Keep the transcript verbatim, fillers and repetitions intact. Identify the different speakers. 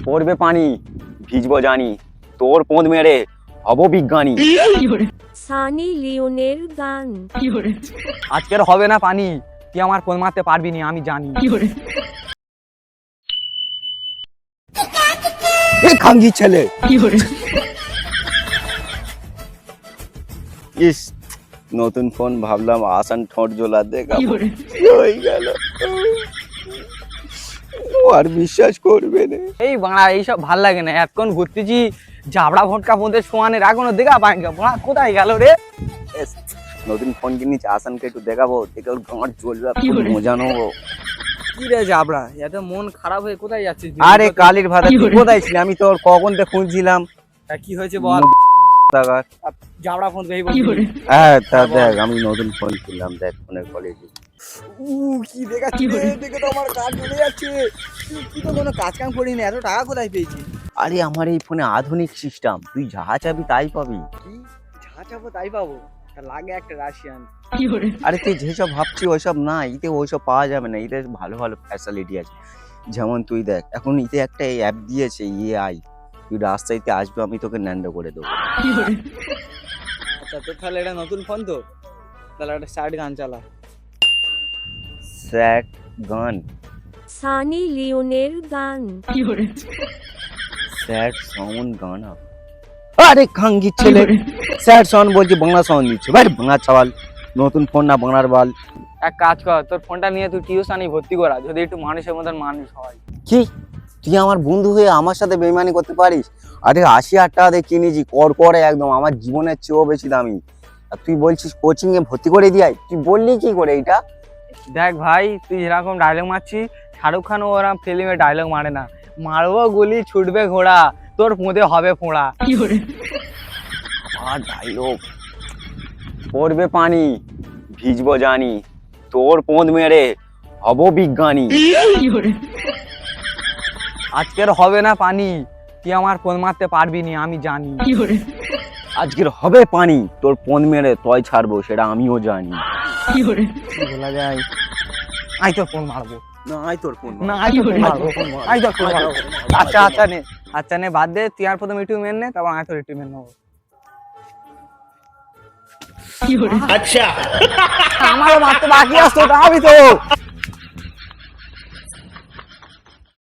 Speaker 1: পড়বে পানি ভিজবো জানি, তোর পোঁদ মেরে হব বিজ্ঞানী।
Speaker 2: সানি লিওনের গান।
Speaker 3: আজকের হবে না পানি, তুই আমার পোঁদ মারতে পারবি না আমি জানি।
Speaker 1: এ খাঙ্গি ছেলে, ইস নতুন ফোন ভাবলাম আসান ঠোঁট জোলা দেখাবো, কি হয়ে গেল আর বিশ্বাস করবে না।
Speaker 3: এই বাড়া এইসব ভাল লাগে না, এতক্ষণ ঘুরতেছি জাবড়া ভটকা পৌঁছে সোয়ানের এখনো দেখা পাই না, বাড়া কোথায় গেল রে?
Speaker 1: এস, নতুন ফোন কিনেছি আসানকে একটু দেখাবো, দেখে ওর গাঁট জ্বলবে, খুব মজা নেবো।
Speaker 3: কি রে জাবড়া, এত মন খারাপ হয়ে কোথায় যাচ্ছিস?
Speaker 1: আরে কালির ভাতা তুই কোথায় ছিলি? আমি তোর কখন থেকে খুঁজছিলাম।
Speaker 3: তা কি হয়েছে বল?
Speaker 1: টাকার।
Speaker 3: জাবড়া ফোন দেই বল।
Speaker 1: হ্যাঁ তা দেখ, আমি নতুন ফোন কিনলাম, দেখ ফোনের কোয়ালিটি।
Speaker 3: উ কি দেখাচ্ছি রে, দেখে তো আমার কাজ চলে যাচ্ছে। তুই কি তো কোনো কাজ কাম করি না, এত টাকা কোথায় পেয়েছিস?
Speaker 1: আরে আমার এই ফোনে আধুনিক সিস্টেম, তুই যা চাবি তাই পাবি।
Speaker 3: কি যা চাবো তাই পাবো? তা লাগে একটা রাশিয়ান।
Speaker 1: আরে তুই যেসব ভাবছি ওইসব না, ইতে ওইসব পাওয়া যাবে না, ইতে ভালো ভালো ফ্যাসিলিটি আছে। যেমন তুই দেখ, এখন ইতে একটা অ্যাপ দিয়েছে এআই, তুই রাস্তাইতে আসবে আমি তোকে ন্যান্ড করে দেবো।
Speaker 3: আচ্ছা তো তাহলে এটা নতুন ফোন তো, তাহলে একটা স্টার্ট গান চালা।
Speaker 1: স্যাট গান,
Speaker 2: সানি লিওনের গান।
Speaker 1: স্যাড সাউন্ড গানা। আরে খাঙ্গি ছেলে, স্যাড সাউন্ড বলছি, বাংলা সাউন্ড দিচ্ছে ভাই, বাংলা চাওয়াল, নতুন ফোন না বাংলার বাল।
Speaker 3: এক কাজ কর, তোর ফোনটা নিয়ে তুই টিউশনি ভর্তি করা, যদি একটু মানুষের মতন মানুষ হয়।
Speaker 1: কি তুই আমার বন্ধু হয়ে আমার সাথে বেইমানি করতে পারিস? আরে আশি হাজার টাকা দিয়ে কিনেছি, কর করে একদম, আমার জীবনের চেয়েও বেশি দামি, আর তুই বলছিস কোচিং এ ভর্তি করে দিয়াই? তুই বললি কি করে এইটা?
Speaker 3: দেখ ভাই, তুই যেরকম ডায়লগ মারছিস, শাহরুখ খান ওরকম ফিল্মে ডায়লগ মারে না। মারবো গুলি ছুটবে ঘোড়া, তোর মুদে হবে ফোঁড়া।
Speaker 1: আর ডায়লগ, পড়বে পানি ভিজবো জানি, তোর পোঁদ মেরে হব বিজ্ঞানী।
Speaker 3: আজকের হবে না পানি, তুই আমার পোঁদ মারতে পারবি না আমি জানি।
Speaker 1: আজকের হবে পানি, তোর পোঁদ মেরে তয় ছাড়বো সেটা আমিও জানি।
Speaker 3: কি বলা যায়? আই তোর ফোন মারবো।
Speaker 1: না আয় তোর ফোন
Speaker 3: না আই তোর ফোন মারবো, আই তোর ফোন মারবো। আচ্ছা আচ্ছা নে, আচ্ছা নে বাদ দে, তুই আর প্রথম একটু মেন নে, তারপর আই তোর একটু মেন নেবো। আচ্ছা আমারও মারতে বাকি আসতো, আমি তো